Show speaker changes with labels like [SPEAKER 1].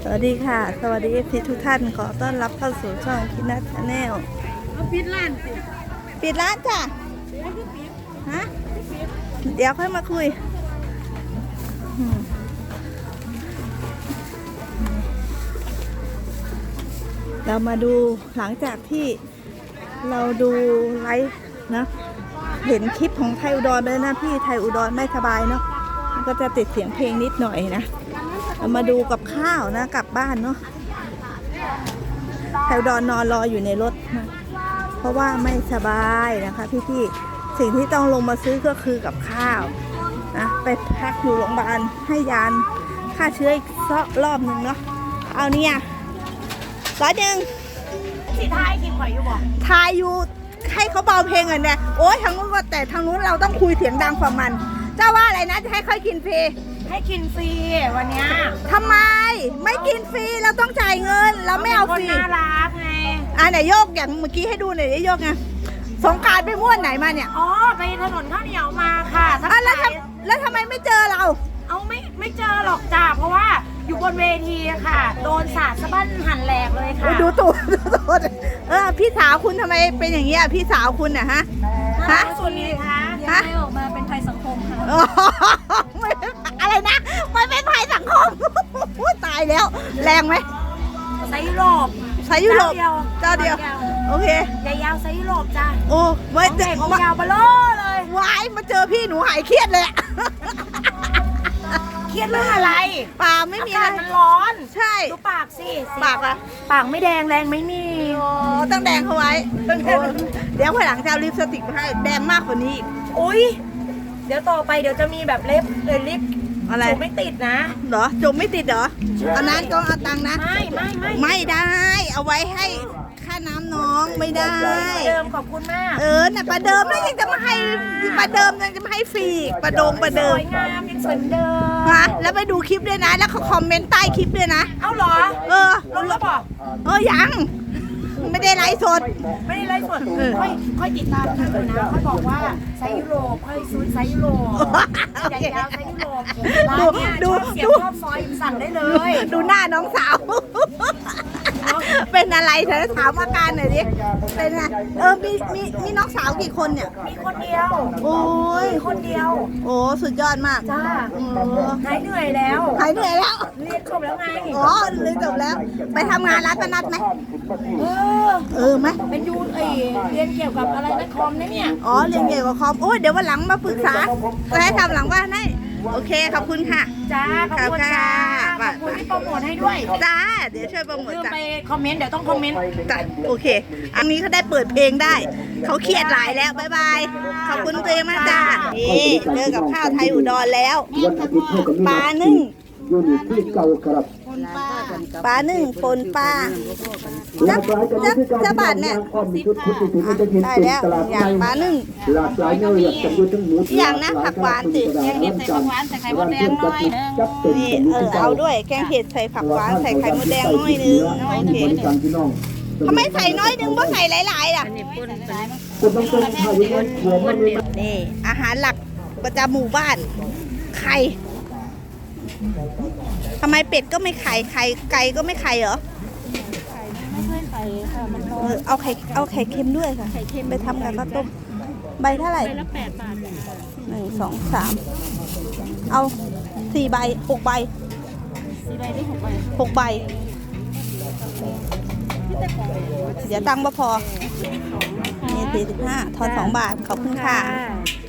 [SPEAKER 1] วัสดีค่ะสวัสดีพี่ทุกท่านขอต้อนรับเข้าสู่ช่องคินัทชาแนล
[SPEAKER 2] ปิดร้านสิ
[SPEAKER 1] ปิดร้านจ้ะฮะเดี๋ยวค่อยมาคุยเรามาดูหลังจากที่เราดูไลฟ์นะเห็นคลิปของไทยอุดรเลยนะพี่ไทยอุดรไม่สบายเนาะก็จะติดเสียงเพลงนิดหน่อยนะเรามาดูกับข้าวนะกลับบ้านเนาะไทยอุดรนอนรออยู่ในรถนะเพราะว่าไม่สบายนะคะพี่ๆสิ่งที่ต้องลงมาซื้อก็คือกับข้าวนะไปพักอยู่โรงพยาบาลให้ยาฆ่าเชื้ออีกรอบหนึ่งเนาะเอาเนี่ย100
[SPEAKER 2] สิทายกินหอยอยู่บ่
[SPEAKER 1] ทายอยู่ให้เขาเบาเพลงอ่ะเนี่ยโอ้ยทางนู้นก็แต่ทางนู้นเราต้องคุยเสียงดังกว่ามันเจ้าว่าอะไรนะจะให้ค่อยกินฟรี
[SPEAKER 2] ให้กินฟรีวันนี้
[SPEAKER 1] ทำไมไม่กินฟรีเราต้องจ่ายเงินเราไม่เอาฟรี
[SPEAKER 2] น่ารักไง
[SPEAKER 1] ไหนโยกอย่างเมื่อกี้ให้ดูหน่อยได้โยกไงสงกรานต์ไปม่วนไหนมาเนี่ย
[SPEAKER 2] อ๋อไปถนนข้าวเหนียวมาค่ะ
[SPEAKER 1] แล้วทำไมไม่เจอเรา
[SPEAKER 2] เอาไม่เจอหรอกจ้าเพราะว่าอยู่บนเวทีค่ะโดนสาดสะบั้นหั่นแหลกเลยค่ะ
[SPEAKER 1] ดูตูดพี่สาวคุณทำไมเป็นอย่างเงี้ยพี่สาวคุณเนี่ยฮะ
[SPEAKER 2] ส่วนนี้คะย้ายออกมาเป็นภัยสังคมค่ะ
[SPEAKER 1] อะไรนะไม่เป็นภัยสังคมตายแล้วแรงไหม
[SPEAKER 2] ไซยุโรป
[SPEAKER 1] เจ้าเดียวโอเค
[SPEAKER 2] ยาวไซยุโรปจ้า
[SPEAKER 1] โอ้ไม่
[SPEAKER 2] เด็กยาวเบลอเลยว
[SPEAKER 1] ายมาเจอพี่หนูหายเครียดเลย
[SPEAKER 2] เครียดเรื่องอะไร
[SPEAKER 1] ไม่มีอะไร
[SPEAKER 2] มันร้อน
[SPEAKER 1] ใช่
[SPEAKER 2] ดูปากสิ
[SPEAKER 1] ปาก
[SPEAKER 2] ไม่แดงแรงไม่มี
[SPEAKER 1] ต้องแดงเขาไว้เดี๋ยวพอหลังจะเอาลิปสติกมาให้แดงมากกว่านี้อีก
[SPEAKER 2] อุ้ยเดี๋ยวต่อไปเดี๋ยวจะมีแบบลิป
[SPEAKER 1] อะไร
[SPEAKER 2] จมไม่ติดนะ
[SPEAKER 1] เหรอจมไม่ติดเหรอเอานั้นก็เอาตังค์นะไม่ได้เอาไว้ให้ค่าน้ำน้องไม่ได้
[SPEAKER 2] เดิมขอบคุณมาก
[SPEAKER 1] น่ะประเดิมแล้วยังจะมาให้ประเดิมยังจะมาให้ฟรีประเดิม
[SPEAKER 2] สวยงามยังสวยเดิม
[SPEAKER 1] แล้วไปดูคลิปด้วยนะแล้วเขาคอมเมนต์ใต้คลิปด้วยนะ
[SPEAKER 2] เอ้าเหรอลงแล้วบอก
[SPEAKER 1] ยังไม่ได้ไลฟ์สด
[SPEAKER 2] ค่อยติดตามกันนะค่อยบอกว่าไซยุโรปค่อยซูนไซยุโรปใหญ่ยาวไซยุโรปดูเสียงชอบซอยสั่งได้เลย
[SPEAKER 1] ดูหน้าน้องสาวเป็นอะไรเธอถามอาการหน่อยดิเป็นไงมีน้องสาวกี่คนเนี่ย
[SPEAKER 2] มีคนเดียว
[SPEAKER 1] โอ้ย
[SPEAKER 2] คนเดียว
[SPEAKER 1] โอ้สุดยอดมาก
[SPEAKER 2] จ้าหายเหนื่อยแล้ว
[SPEAKER 1] เรี
[SPEAKER 2] ยนจบแล้วไง
[SPEAKER 1] เรียนจบแล้วไปทำงานร้านนัดไหมไหม
[SPEAKER 2] เป็นยูเรียนเกี่ยวกับอะไรนะคอมนะเนี่ย
[SPEAKER 1] เรียนเกี่ยวกับคอมเดี๋ยววันหลังมาปรึกษาจะให้ทำหลังว่าให้โอเคขอบคุณค่ะ
[SPEAKER 2] จ้าขอบคุณค่ะขอบคุณที่โปรโมทให้ด้วย
[SPEAKER 1] จ้าเดี๋ยวช่วยโปรโมทจ้า
[SPEAKER 2] ไปคอมเมนต์เดี๋ยวต้องคอมเมนต์
[SPEAKER 1] จ้าโอเคอันนี้เขาได้เปิดเพลงได้เขาเครียดหลายแล้วบ๊ายบายขอบคุณตัวเองมากจ้านี่เจอกับข้าวไทยอุดรแล้วปลานึ่งปลานึ่งปนปลาจะบาทเนี่ยได้แล้วอย่างปลานึ่งอย่างนะผักหวานสิ
[SPEAKER 2] แกงเห็ดใส่ผักหวานใส่ไข่มดแดงน้อย
[SPEAKER 1] นี่เอาด้วยแกงเห็ดใส่ผักหวานใส่ไข่มดแดงน้อยนึงโอเคทำไมใส่น้อยนึงเพราะใส่หลายๆล่ะนี่อาหารหลักประจำหมู่บ้านไข่ทำไมเป็ดก็ไม่ไข่ไก่ก็ไม่ไข่เหรอ
[SPEAKER 2] ไม่เคยไข่ค่ะมัน
[SPEAKER 1] เอาไข่เค็มด้วยค่ะไข่เค็มไปทำกับข้าวต้มใบเท่าไหร่
[SPEAKER 2] ใบละ8 บาท
[SPEAKER 1] 1 2 3เอา4 ใบ6 ใบ
[SPEAKER 2] 4 ใบได้
[SPEAKER 1] 6 ใบเดี๋ยวตังค์พอนี่45ทอน2 บาทขอบคุณค่ะ